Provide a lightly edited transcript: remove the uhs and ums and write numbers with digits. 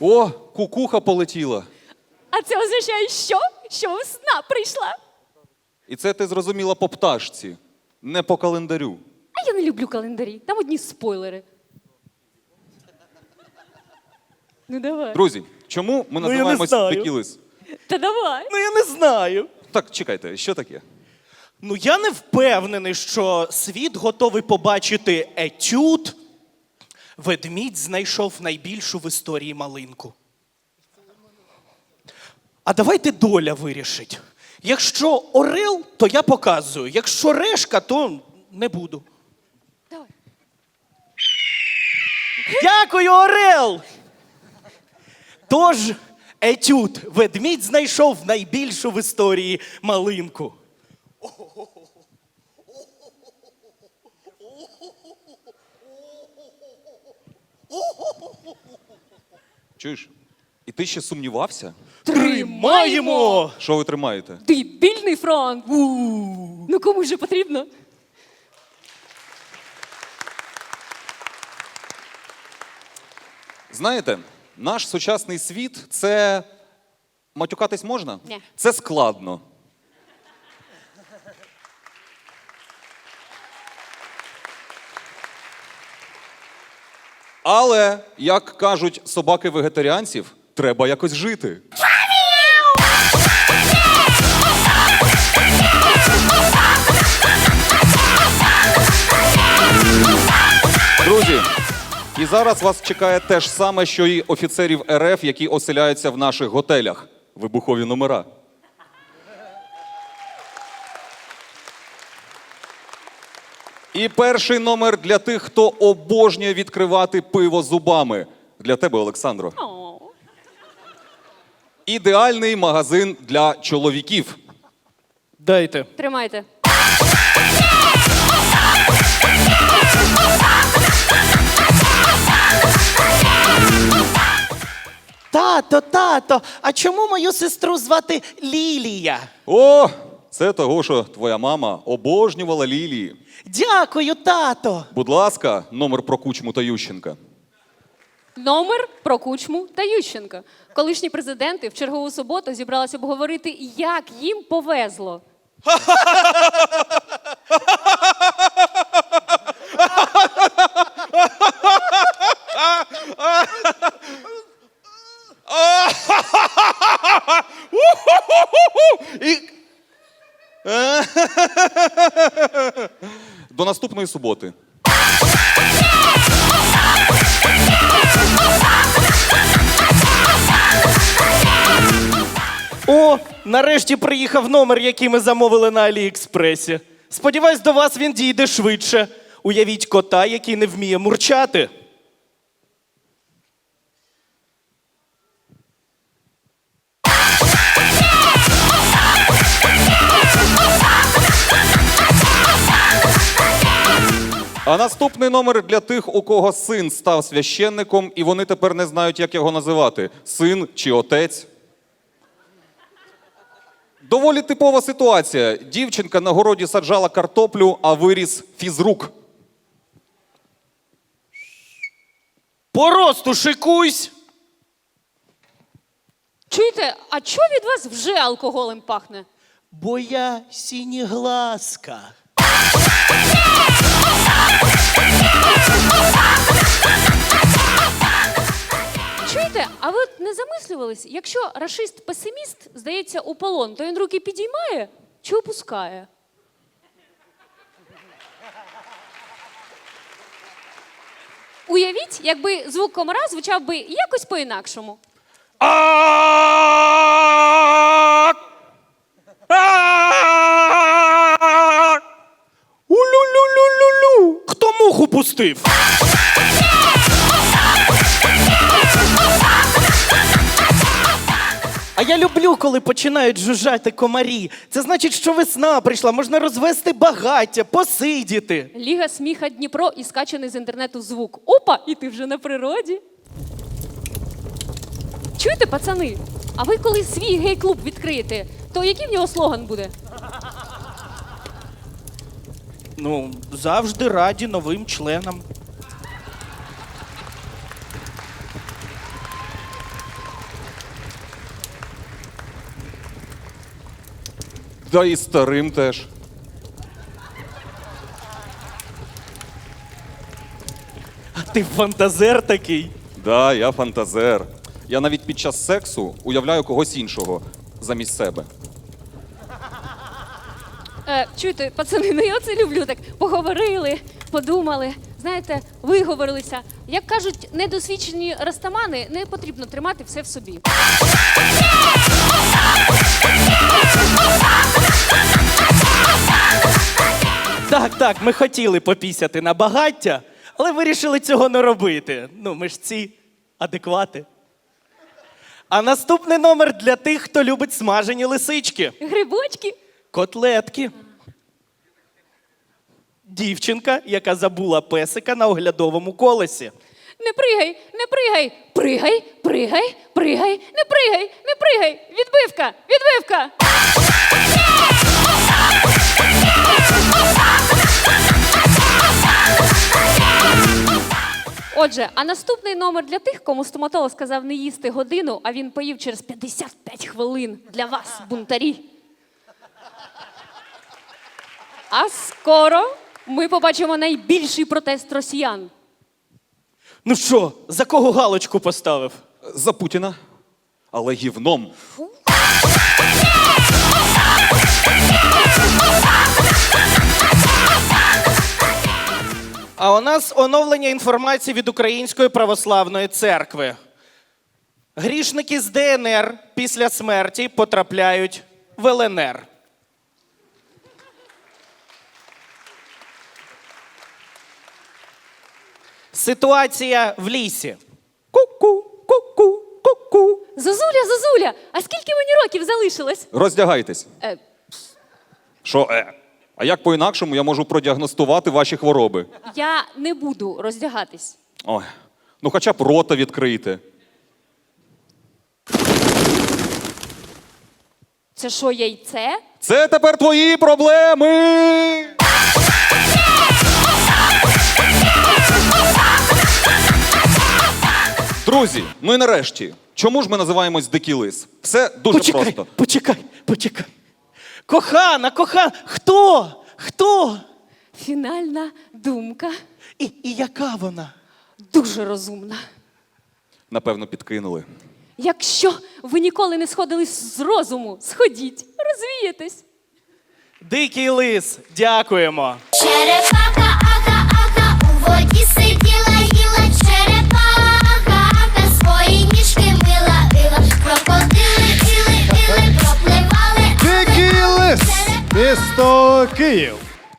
О, кукуха полетіла. А це означає що? Що весна прийшла. І це ти зрозуміла по пташці, не по календарю. А я не люблю календарі, там одні спойлери. Ну давай. Друзі, чому ми я не називаємось знаю. Текілис? Та давай. Ну, я не знаю. Так, чекайте, що таке? Ну, я не впевнений, що світ готовий побачити етюд. Ведмідь знайшов найбільшу в історії малинку. А давайте доля вирішить. Якщо орел, то я показую. Якщо решка, то не буду. Давай. Дякую, орел! Тож, етюд. Ведмідь знайшов найбільшу в історії малинку. Чуєш? І ти ще сумнівався? Тримаємо! Що ви тримаєте? Дебільний фронт. Ну кому ж потрібно? Знаєте, наш сучасний світ – це… Матюкатись можна? Ні. Це складно. Але, як кажуть собаки-вегетаріанців, треба якось жити. Друзі, і зараз вас чекає те ж саме, що і офіцерів РФ, які оселяються в наших готелях. Вибухові номера. І перший номер для тих, хто обожнює відкривати пиво зубами. Для тебе, Олександро. О. Ідеальний магазин для чоловіків. Дайте. Тримайте. Тато, а чому мою сестру звати Лілія? О, це того, що твоя мама обожнювала лілії. Дякую, тато. Будь ласка, номер про Кучму та Ющенка. Номер про Кучму та Ющенка. Колишні президенти в чергову суботу зібралися обговорити, як їм повезло. До наступної суботи. О, нарешті приїхав номер, який ми замовили на Аліекспресі. Сподіваюсь, до вас він дійде швидше. Уявіть кота, який не вміє мурчати. А наступний номер для тих, у кого син став священником, і вони тепер не знають, як його називати. Син чи отець. Доволі типова ситуація. Дівчинка на городі саджала картоплю, а виріс фізрук. По росту шикуйсь! Чуєте, а чого від вас вже алкоголем пахне? Бо я сінєглазка. Чуєте, а ви от не замислювались, якщо рашист-песиміст здається у полон, то він руки підіймає чи опускає? Уявіть, якби звук комара звучав би якось по-інакшому. Улю-лю-лю-лю-лю! Хто муху пустив? А я люблю, коли починають жужжати комарі. Це значить, що весна прийшла, можна розвести багаття, посидіти. Ліга сміха Дніпро і скачаний з інтернету звук. Опа, і ти вже на природі. Чуєте, пацани? А ви коли свій гей-клуб відкриєте, то який в нього слоган буде? Ну, завжди раді новим членам. Да і старим теж. А ти фантазер такий. Да, я фантазер. Я навіть під час сексу уявляю когось іншого замість себе. Чуєте, пацани, ну я оце люблю так. Поговорили, подумали, знаєте, виговорилися. Як кажуть, недосвідчені растамани, не потрібно тримати все в собі. Так, ми хотіли попісяти на багаття, але вирішили цього не робити. Ну, ми ж ці адеквати. А наступний номер для тих, хто любить смажені лисички. Грибочки? Котлетки. Дівчинка, яка забула песика на оглядовому колесі. Не пригай, не пригай. Пригай, пригай, пригай, не пригай, не пригай. Відбивка, відбивка. Отже, а наступний номер для тих, кому стоматолог сказав не їсти годину, а він поїв через 55 хвилин. Для вас, бунтарі. А скоро ми побачимо найбільший протест росіян. Ну що, за кого галочку поставив? За Путіна. Але гівном. А у нас оновлення інформації від Української православної церкви. Грішники з ДНР після смерті потрапляють в ЛНР. Ситуація в лісі. Ку-ку, ку-ку, ку-ку. Зозуля, Зозуля, а скільки мені років залишилось? Роздягайтесь. Е, Що А як по-інакшому я можу продіагностувати ваші хвороби? я не буду роздягатись. Ой, ну хоча б рота відкрийте. Це що, яйце? Це тепер твої проблеми! Друзі, ну і нарешті, чому ж ми називаємось Дикий Лис? Все дуже просто. Почекай. Кохана, хто? Хто? Фінальна думка. І яка вона? Дуже розумна. Напевно, підкинули. Якщо ви ніколи не сходили з розуму, сходіть, розвієтесь. Дикий лис, дякуємо. Черепаха, аха, у воді сиділа, їла черепаха, свої ніжки мила, крокодили, пропливали. Дикий лис, місто Київ.